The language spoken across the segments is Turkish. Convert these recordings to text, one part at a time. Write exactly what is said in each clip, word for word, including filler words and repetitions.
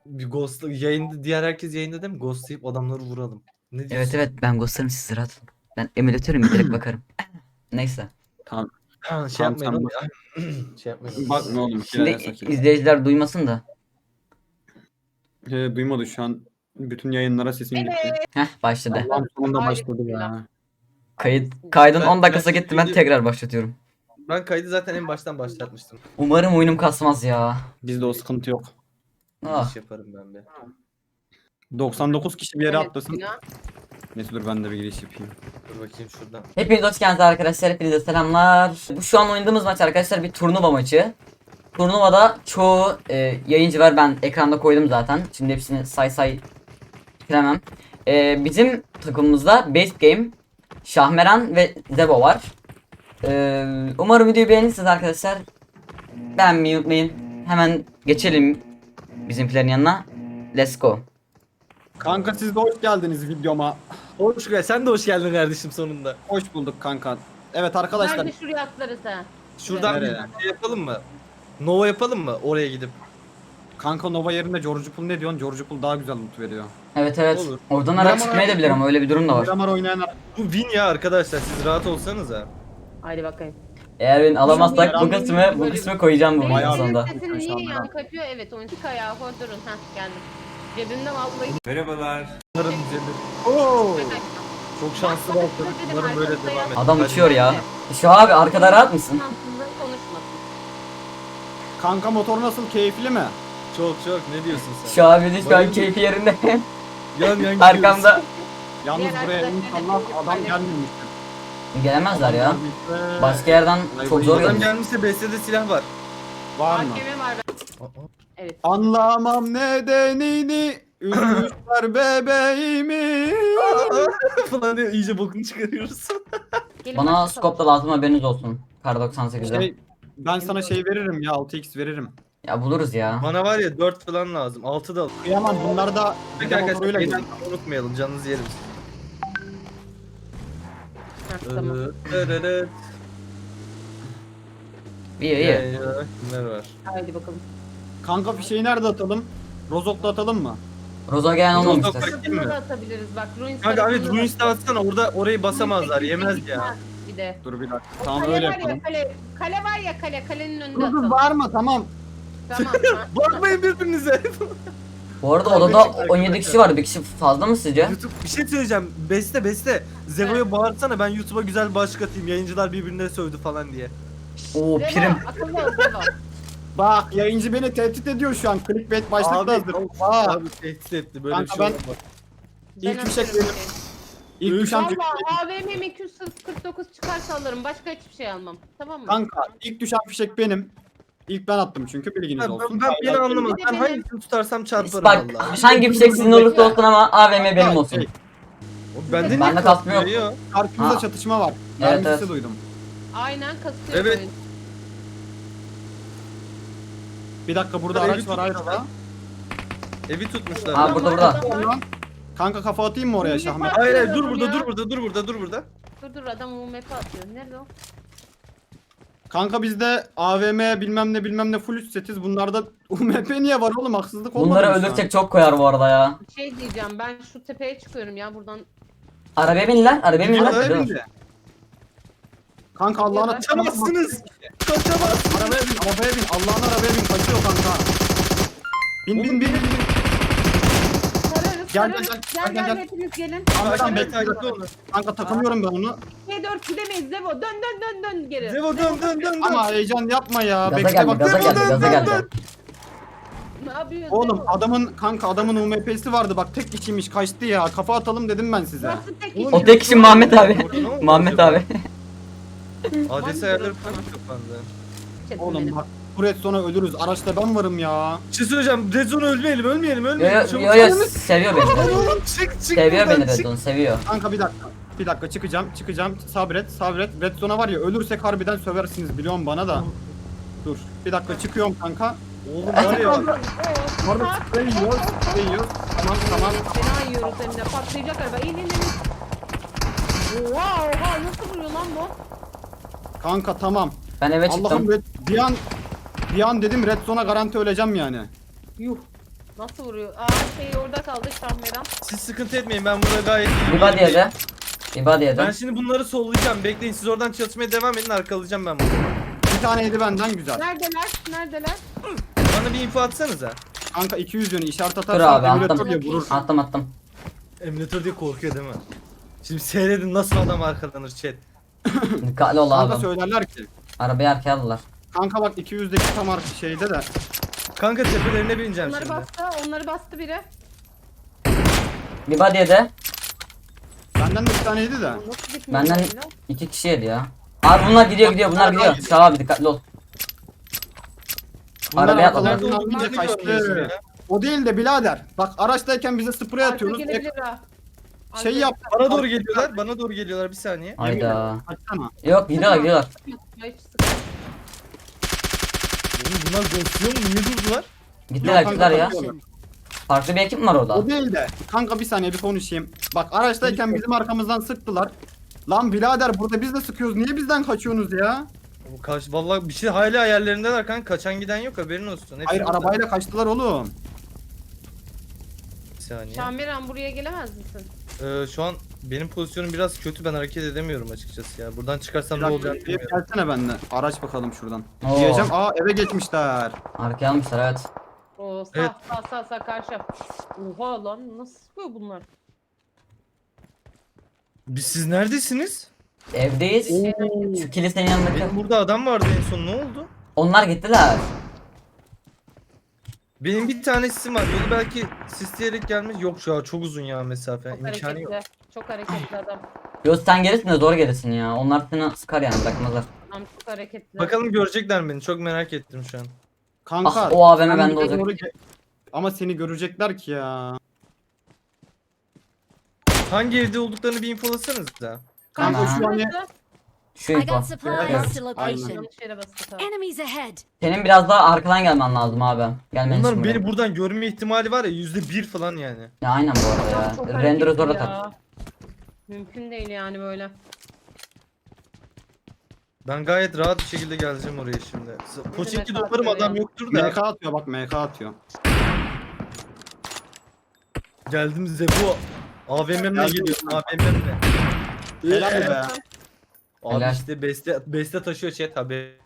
Bir ghost yayında, diğer herkes yayında değil mi? Ghostlayıp adamları vuralım. Ne diyorsun? Evet evet ben ghostlarım sizi rahat olun. Ben emülatörüm direkt bakarım. Neyse. Tamam. Ha, şey Tamam, yapmayın sen oğlum bak. ya. Şey yapmayın oğlum. Bakma oğlum. Şimdi Şimdi... Sakin. izleyiciler duymasın da. He, duymadı şu an. Bütün yayınlara sesim gitti. Heh başladı. Allah'ım sonunda Haydi başladı bismillah. ya. Kayıt kaydın Ben- on dakikası ben gitti ben şimdi- tekrar başlatıyorum. Ben kaydı zaten en baştan başlatmıştım. Umarım oyunum kasmaz ya. Bizde o sıkıntı yok. Ah. İş yaparım ben be. doksan dokuz kişi bir yere Evet, atlasın. ya. Neyse dur ben de bir giriş yapayım. Dur bakayım şuradan. Hepiniz hoş geldiniz arkadaşlar. Hepinize selamlar. Bu şu an oynadığımız maç arkadaşlar bir turnuva maçı. Turnuvada çoğu e, yayıncı var. Ben ekranda koydum zaten. Şimdi hepsini say say bitiremem. E, bizim takımımızda Base Game, Şahmeran ve Zebo var. E, umarım videoyu beğenirsiniz arkadaşlar. Beğenmeyi unutmayın. Hemen geçelim bizimkilerin yanına. Let's go. Kanka siz de hoş geldiniz videoma. Hoş geldin. Sen de hoş geldin kardeşim sonunda. Hoş bulduk kanka. Evet arkadaşlar. Nerede şuraya atlarız ha? Şuradan Nereye? bir şey yapalım mı? Nova yapalım mı? Oraya gidip. Kanka Nova yerine George Pool ne diyorsun? George Pool daha güzel loot veriyor. Evet evet. Olur. Oradan araç çıkmaya da bilir ama öyle bir durum da var. Miramar oynayanlar. Bu win ya arkadaşlar. Siz rahat olsanız ha. Haydi bakayım. Eğer beni alamazsak bu Benim- kısmı bu kısmı koyacağım bu Benim oyunun Bayağı- sonunda. sesin Şu niye anda. yankı yapıyor? Evet oyun tık ayağı hor durun. Heh geldim. Cebimde vallahi Umarım düzelir. Oo. Çok şanslı başladık. Umarım böyle devam eder. Adam Hadi. uçuyor ya. Şu abi arkada rahat mısın? Aslında konuşmasın. Kanka motor nasıl, keyifli mi? Çok çok. Ne diyorsun sen? Şu abinin şu an Bayıldım. keyfi yerinde. Yan yan gidiyoruz. Arkamda. Yalnız Diğer buraya arkadaşlar inşallah da adam paylaşın. gelmemiştir. Gelemezler ya. Gelmişse- Başka yerden Ay, çok bu zor adam Adam gelir. gelmişse B S'de silah var. Var mı? A K M var ben. Aa, Evet. Anlamam nedenini, üzmüşler bebeğimi. aa. Falan diye iyice bokunu çıkarıyoruz. Gelin Bana başlayalım. scope da lazım haberiniz olsun. Kar doksan sekizde. Şey, ben sana şey veririm ya, altı x veririm. Ya buluruz ya. Bana var ya dört falan lazım. altı da al. Kıyamam, bunlar da Peki bir de arkadaşlar motoruyla beyler, gidiyor. unutmayalım canınızı yerim. Heh, tamam. Evet. İyi iyi. Kimler var? Haydi bakalım. Kanka fişeği nerede atalım? Rozok'ta atalım mı? Rozo gelen Rozo olmamıştır. bak- Tarafında da atabiliriz bak. Ruins Kanka evet tarafında da Ruins'te atsana orada orayı basamazlar yemez ya. Bir de. Dur bir dakika. O Tamam kale öyle var yapalım. ya kale. Kale var ya kale. Kalenin önünde Dur dur atalım. bağırma, tamam. Tamam. ha. Bakmayın birbirinize. Bu arada Kavga odada çıktı on yedi arkadaşlar. kişi var. Bir kişi fazla mı sizce? YouTube bir şey söyleyeceğim. Beste beste. Zevo'ya bağırsana ben YouTube'a güzel bir başlık atayım. Yayıncılar birbirine sövdü falan diye. Oo Zebo, prim. akıllı ol Zebo. Bak yayıncı beni tehdit ediyor şu an. Clickbait başlıkta Abi, hazır. abi, Aa, abi tehdit etti böyle Kanka bir şey ben- olmaz. İlk Ben fişek atıyorum benim. seni. İlk düşen Valla fişek. A V M iki yüz kırk dokuz çıkarsa alırım. Başka hiçbir şey almam. Tamam mı? Kanka ilk düşen fişek benim. İlk ben attım çünkü bilginiz Ben, olsun. ben, ben beni anlamadım. Bir de Ben benim- hangisini tutarsam çarparım Bak vallahi. hangi fişek sizin olursa olsun ama A V M benim olsun. Şey, O Bende Bende niye kasma yok. kasmıyor ya? Karşımızda Ha. çatışma var. Evet, Ben evet. sesi duydum. Aynen kasıyor Evet. oyun. Bir dakika burada Evi araç var ayrıca. Evi tutmuşlar. Ha lan. burada burada. Adam var. Kanka kafa atayım mı oraya Şahmet? Hayır hayır dur Ya. burada dur burada dur burada dur burada. Dur dur adam U M P atıyor. Nerede o? Kanka bizde A V M bilmem ne bilmem ne full üst setiz. Bunlarda U M P niye var oğlum, haksızlık olmadı Bunları mı şu an? öldürsek çok koyar bu arada ya. Bir şey diyeceğim. Ben şu tepeye çıkıyorum ya buradan. Arabaya bin lan. Arabaya bin Arabaya lan. Dur. bindi. Kanka Allah'ına Kaçamazsınız. Kaçamaz. Arabaya bin, arabaya bin. Allah'ın arabaya bin. Kaçıyor kanka. Bin bin bin bin. bin. Sararız Gel, sararız. gel, Gel gel, gel, gel. hepiniz gelin. Kanka Takip bekle. et takip onu. Kanka takımıyorum ben onu. G dört gidemeyiz Zebo. Dön dön dön dön geri. Zevo dön dön dön dön. Ama heyecan yapma ya. Gaza Bekle geldi, bak. gaza geldi, dön, gaza dön, geldi. dön. Ne yapıyorsun Oğlum Zebo? adamın kanka adamın U M P'si vardı bak, tek kişiymiş, kaçtı ya. Kafa atalım dedim ben size. Nasıl tek Oğlum, kişi? O tek kişi Muhammed abi. Ne oldu Muhammed acaba? abi. Adres ayarları falan kapandı. Çetin Oğlum benim. bak, Kuret sonra ölürüz. Araçta ben varım ya. Bir şey söyleyeceğim. Red Zone ölmeyelim ölmeyelim Yo ölmeyelim. yo Çabuk yo, yo çabuk. seviyor beni. Oğlum çık çık Seviyor buradan, beni çık. Redon seviyor. Kanka bir dakika. Bir dakika çıkacağım çıkacağım. Sabret sabret. Red Zone'a var ya, ölürsek harbiden söversiniz biliyorum bana da. Dur. Bir dakika çıkıyorum kanka. Oğlum var ya. Orada sprey yiyor. Sprey yiyor. Tamam tamam. Fena yiyoruz hem de. Patlayacak araba. İn in in. Oha oha nasıl vuruyor lan bu? Kanka tamam. Ben eve Allah'ım çıktım. red, bir an bir an dedim Red Zone'a garanti öleceğim yani. Yuh. Nasıl vuruyor? Aa şey orada kaldı Şahmeran. Siz sıkıntı etmeyin, ben burada gayet iyiyim. Bir body yedi. Bir body yedi. Ben şimdi bunları sollayacağım. Bekleyin, siz oradan çatışmaya devam edin, arkalayacağım ben bunu. Bir tane yedi benden güzel. Neredeler? Neredeler? Bana bir info atsanıza. Kanka iki yüz yönü işaret Dur atarsan abi emülatör attım. diye vurur. Attım attım. Emülatör diye korkuyor değil mi? Şimdi seyredin nasıl adam arkalanır chat. Dikkatli ol Kanka abi. söylerler ki. Arabayı arkaya aldılar. Kanka bak iki yüzdeki tam arka şeyde de. Kanka tepelerine bineceğim Onları şimdi. bastı. Onları bastı biri. Bir body yedi. Benden de bir tane yedi de. Nasıl gitmiyor? Benden böyle? iki kişi yedi ya. Abi bunlar gidiyor gidiyor bunlar gidiyor. Şah abi dikkatli ol. Bunlar Arabaya arkalarından Nerede alınca olduğunu görmüyorsun kaçtı. ya. O değil de birader. Bak araçtayken bize sprey Arka atıyoruz. gelebilir ha. Şey Arka- yap. Bana doğru geliyorlar, bana doğru geliyorlar, bir saniye. Hayda. Kaçsana. Yok gidiyorlar gidiyorlar. Hiç sıkıntı yok. Oğlum bunlar ghostluyor mu? Niye durdular? Gittiler Yok, gittiler ya. kanka, Farklı bir ekip mi var orada? O değil de. Kanka bir saniye bir konuşayım. Bak araçtayken bizim arkamızdan sıktılar. Lan birader burada biz de sıkıyoruz. Niye bizden kaçıyorsunuz ya? Bu kaç, vallahi bir şey hala hayallerindeler kanka, kaçan giden yok, haberin olsun. Hepsi Hayır burada. arabayla kaçtılar oğlum. Bir saniye. Şahmeran buraya gelemez misin? Ee, şu an benim pozisyonum biraz kötü, ben hareket edemiyorum açıkçası ya. Buradan çıkarsam Bir ne dakika, olacak bir bilmiyorum. gelsene benimle. Araç bakalım şuradan. Oo. Diyeceğim aa eve geçmişler. Arkaya almışlar evet. Oo sağ Evet. sağ sağ sağ karşı. Oha lan nasıl sıkıyor bunlar? Biz, siz neredesiniz? Evdeyiz. Şu kilisenin yanındaki. Benim burada adam vardı en son, ne oldu? Onlar gittiler. Benim bir tane sisim var. Yolu belki sisleyerek gelmiş. Yok ya, çok uzun ya mesafe. Çok İmkanı yok. hareketli. Çok hareketli adam. Yo sen gerisin de zor gerisin ya. Onlar seni sıkar yani bırakmazlar. Adam çok hareketli. Bakalım görecekler mi beni. Çok merak ettim şu an. Kanka. Ah, o A V M sen bende bize olacak. doğru ge- Ama seni görecekler ki ya. Hangi evde olduklarını bir infolasanız da. Kanka Tamam. şu an Burası. Şu I info. got supplies Evet. to Aynen. location. Yanlış yere bastık ha. Enemies ahead. Senin biraz daha arkadan gelmen lazım abi. Gelmen için Onların buraya. beni buradan görme ihtimali var ya, yüzde bir falan yani. Ya aynen bu arada Adam çok ya. Render'ı hareketli zor ya. atar. Mümkün değil yani böyle. Ben gayet rahat bir şekilde geleceğim oraya şimdi. Poçinki demek umarım atıyor adam ya? yoktur M da. K atıyor bak M K atıyor. Geldim Zebu. A V M'le Geldim. geliyorum, A V M'le. Helal be. Abi Helal. işte beste, beste taşıyor chat abi.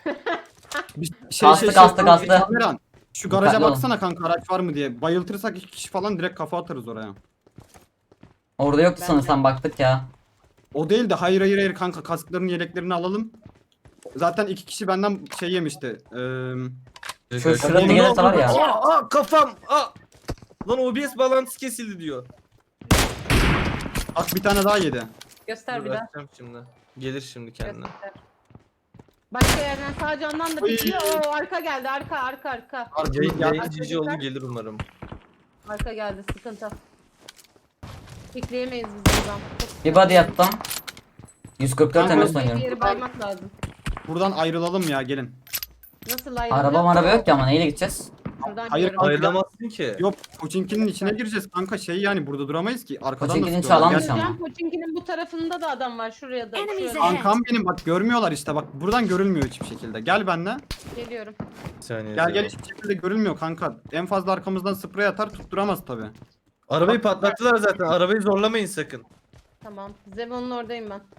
Bir şey Kastı, kastı, kastı. Kameran, şu garaja Dikkatli olun. baksana kanka araç var mı diye. Bayıltırsak iki kişi falan direkt kafa atarız oraya. Orada yoktu Ben sanırsam baktık ya. O değil de hayır hayır hayır kanka kaskların yeleklerini alalım. Zaten iki kişi benden şey yemişti. Ee, Şu şurada gelirse var ya. Aa, aa kafam. Aa. Lan O B S bağlantısı kesildi diyor. bak bir tane daha yedi. Göster Dur, bir daha. açacağım şimdi. Gelir şimdi kendine. Göster. Başka yerden sağ candan da Oy. bitiyor. Oo arka geldi arka arka arka. Yayın, Ya- yayın cici oldu, gelir umarım. Arka geldi sıkıntı. Bekleyemeyiz biz buradan. Çok Bir body yaptım. yüz kırk dört Kanka, M S Bir oynuyorum. yeri baymak lazım. Buradan ayrılalım ya gelin. Nasıl ayrılacağız? Araba araba yok ki ama neyle gideceğiz? Şuradan Hayır, gidiyorum. Ayrılamazsın ki. Yok Koçinki'nin içine gireceğiz kanka şey yani burada duramayız ki. Arkadan Koçinki'nin da sıkıyorlar. çalanmış Gel- ama. Gideceğim, Koçinki'nin bu tarafında da adam var. Şuraya da. Enemies Şuraya. ahead. Kankam benim bak görmüyorlar işte bak buradan görülmüyor hiçbir şekilde. Gel benimle. Geliyorum. Bir saniye. Gel Zebu. gel hiçbir şekilde görülmüyor kanka. En fazla arkamızdan sprey atar tutturamaz tabi. Arabayı patlattılar zaten. Arabayı zorlamayın sakın. Tamam. Zebon'un oradayım ben.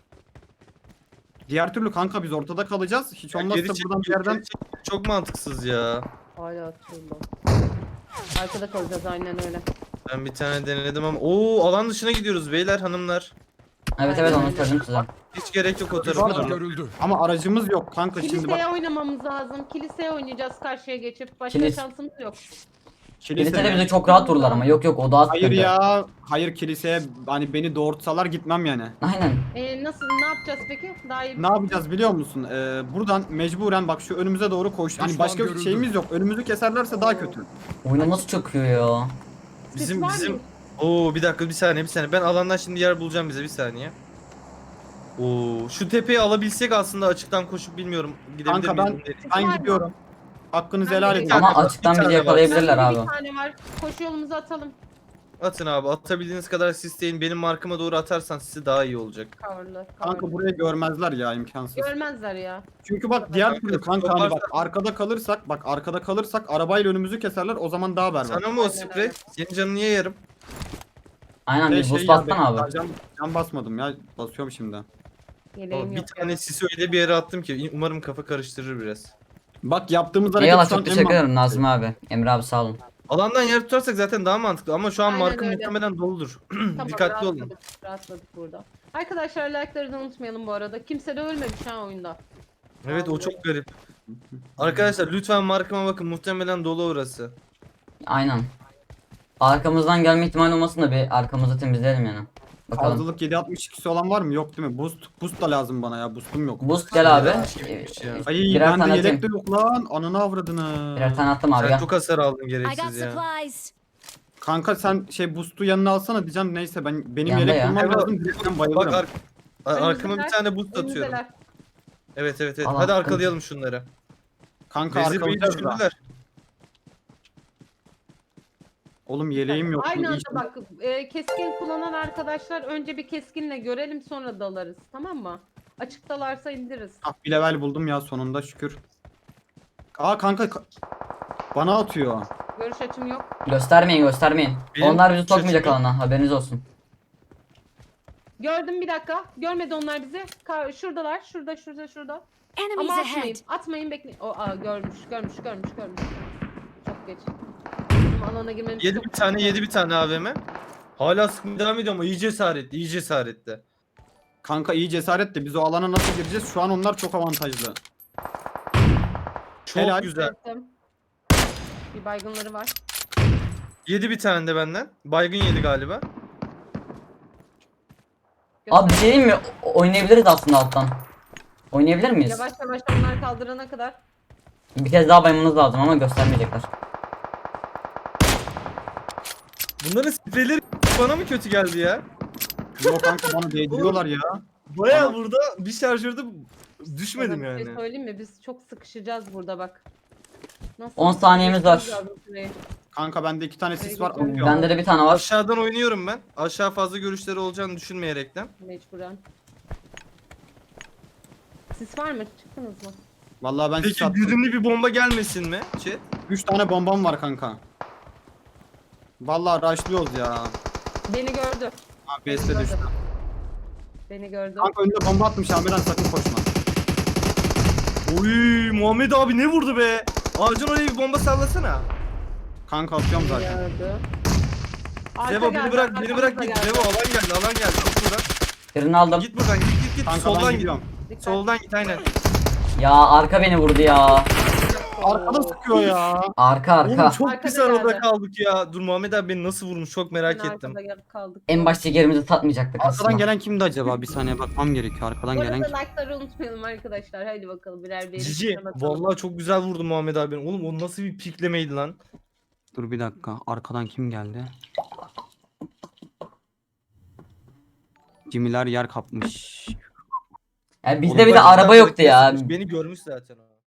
Diğer türlü kanka biz ortada kalacağız. Hiç Ya olmazsa geri çek- buradan bir geri yerden çek- Çok mantıksız ya. Hala atıyorum. Arkada kalacağız aynen öyle. Ben bir tane denedim ama. Oo, alan dışına gidiyoruz beyler, hanımlar. Evet evet onu söyledim size. Hiç gerek yok o Düşman tarafa. görüldü. ama aracımız yok kanka şimdi Kiliseye bak. oynamamız lazım. Kiliseye oynayacağız karşıya geçip. Başka Kilis- şansımız yok. Kilisede mi? bize çok rahat vururlar ama yok yok o daha Hayır sıkıntı. ya. Hayır kiliseye hani beni doğurtsalar gitmem yani. Aynen. Ee, nasıl ne yapacağız peki? Daha iyi. Ne yapacağız biliyor musun? Ee, buradan mecburen bak şu önümüze doğru koş. Hani Düşman başka bir görüldü. şeyimiz yok. Önümüzü keserlerse daha kötü. Oyunu nasıl çöküyor ya? Bizim var bizim mı? Oo, bir dakika, bir saniye bir saniye. Ben alandan şimdi yer bulacağım bize, bir saniye. Oo, şu tepeyi alabilsek aslında açıktan koşup bilmiyorum gidebilir Kanka ben miyim? ben Var mı? gidiyorum. Hakkınızı Ben helal de edin. Ama Bir açıktan tane bizi var. yakalayabilirler Bende abi. Bir tane var. Koşu yolumuzu atalım. Atın abi. Atabildiğiniz kadar sisteyin. Benim markıma doğru atarsan sizi daha iyi olacak. Coverlı. Kanka coverlı. burayı görmezler ya, imkansız. Görmezler ya. Çünkü bak diğer Kanka, türlü kanka çok hani bak varsa- arkada kalırsak bak arkada kalırsak arabayla önümüzü keserler, o zaman daha berbat. Sana mı o Aynen sprey? öyle. Senin canını niye yarım? Aynen Şey, bir şey boost ya, bassana ben- abi. Can, can basmadım ya, basıyorum şimdi. Yeleğim Bir yok tane ya. sisi öyle bir yere attım ki umarım kafa karıştırır biraz. Bak yaptığımız hareket Eyvallah şu an çok en teşekkür ederim mantıklı Nazım abi. Emre abi sağ olun. Alandan yer tutarsak zaten daha mantıklı ama şu an Aynen markım öyle. muhtemelen doludur. Tamam, Dikkatli olun. rahatladık, rahatladık burada. Arkadaşlar like'ları da unutmayalım bu arada. Kimse de ölmemiş ha oyunda. Evet o Vallahi. çok garip. Arkadaşlar lütfen markama bakın, muhtemelen dolu orası. Aynen. Arkamızdan gelme ihtimali olmasın da bir arkamızı temizleyelim yani. Bakalım. Fazlalık yedi altmış ikisi olan var mı? Yok değil mi? Boost boost da lazım bana ya. Boostum yok. Boost gel abi. Şeymiş ya. Ee, Ay birer bende tane yelek atayım. de yok lan. Ananı avradını. Birer tane attım abi Sen gel. çok hasar aldın I got gereksiz ya. supplies. Kanka sen şey boost'u yanına alsana diyeceğim, neyse ben benim Yanda yelek ya. bulmam Evet, lazım. Direkten bayılırım. Bak ar- ar- arkama bir Önümüzdeler, tane boost atıyorum. önümüzdeler. Evet evet evet. Al, Hadi al. arkalayalım şunları. Kanka Vezir Bey'i arkalayacağız da. düşürdüler. Oğlum yeleğim yok. Aynı anda İyi- bak e, keskin kullanan arkadaşlar önce bir keskinle görelim sonra dalarız, tamam mı? Açıktalarsa indiririz. Ah, bir level buldum ya sonunda şükür. Aa kanka ka- bana atıyor. Görüş açım yok. Göstermeyin göstermeyin. Benim Onlar bizi sokmayacak şaşırdım. alana haberiniz olsun. Gördüm, bir dakika. Görmedi onlar bizi. Ka- şuradalar. Şurada şurada şurada. Enemies Ama ahead. atmayın. Atmayın, bekleyin. O aa, görmüş görmüş görmüş görmüş. Çok geç. Bizim alana girmemiz Yedi çok bir tane, yedi bir tane A V M. Hala sıkmaya devam ediyor ama iyi cesaretli, iyi cesaretli. Kanka iyi cesaret de biz o alana nasıl gireceğiz? Şu an onlar çok avantajlı. Çok Helal. güzel. Ettim. Bir baygınları var. Yedi bir tane de benden. Baygın yedi galiba. Abi bir şey diyeyim mi? O- Oynayabiliriz aslında alttan. Oynayabilir miyiz? Yavaş yavaş onlar kaldırana kadar. Bir kez daha baymanız lazım ama göstermeyecekler. Bunların spreyleri bana mı kötü geldi ya? Yok kanka bana değdiriyorlar ya. Baya burada bir şarjörde düşmedim Sana bir şey yani. söyleyeyim mi? Biz çok sıkışacağız burada bak. Nasıl? on saniyemiz var. Geçmemiz lazım şurayı. Kanka bende iki tane sis var. Bende atıyor. Bende de bir tane var. Aşağıdan oynuyorum ben. Aşağı fazla görüşleri olacağını düşünmeyerekten. Mecburen. Sis var mı? Çıktınız mı? Vallahi ben sis Peki attım. güdümlü bir bomba gelmesin mi? Chat. üç tane bombam var kanka. Vallahi rushlıyoruz ya. Beni gördü. Ha Beni base'de gördü. düştü. Beni gördü. Kanka önünde bomba atmış Amiran, sakın koşma. Oy Muhammed abi ne vurdu be? Ağacın oraya bir bomba sallasana. Kanka atıyorum Beni zaten. gördü. Arka Devo beni geldi, bırak, beni arkamızda bırak git. geldi. Devo alan geldi, alan geldi. Git buradan. Birini aldım. Git buradan, git git git. Kanka Soldan ben git. gidiyorum. Dikkat. Soldan git aynen. Ya arka beni vurdu ya. Arkada sıkıyor ya. Arka Oğlum arka. çok Arkada pis arada geldi. kaldık ya. Dur Muhammed abi beni nasıl vurmuş çok merak Ben ettim. arkada gel- kaldık. En başta yerimizi satmayacaktık Arkadan aslında. gelen kimdi acaba? Bir saniye bakmam gerekiyor. Arkadan Bu gelen arada kim? like'ları unutmayalım arkadaşlar. Haydi bakalım birer bir. Cici vallahi çok güzel vurdu Muhammed abi. Oğlum o nasıl bir piklemeydi lan? Dur bir dakika. Arkadan kim geldi? Cimiler yer kapmış. Ya bizde Oğlum bir de Bak, araba yoktu ya. Beni görmüş zaten o.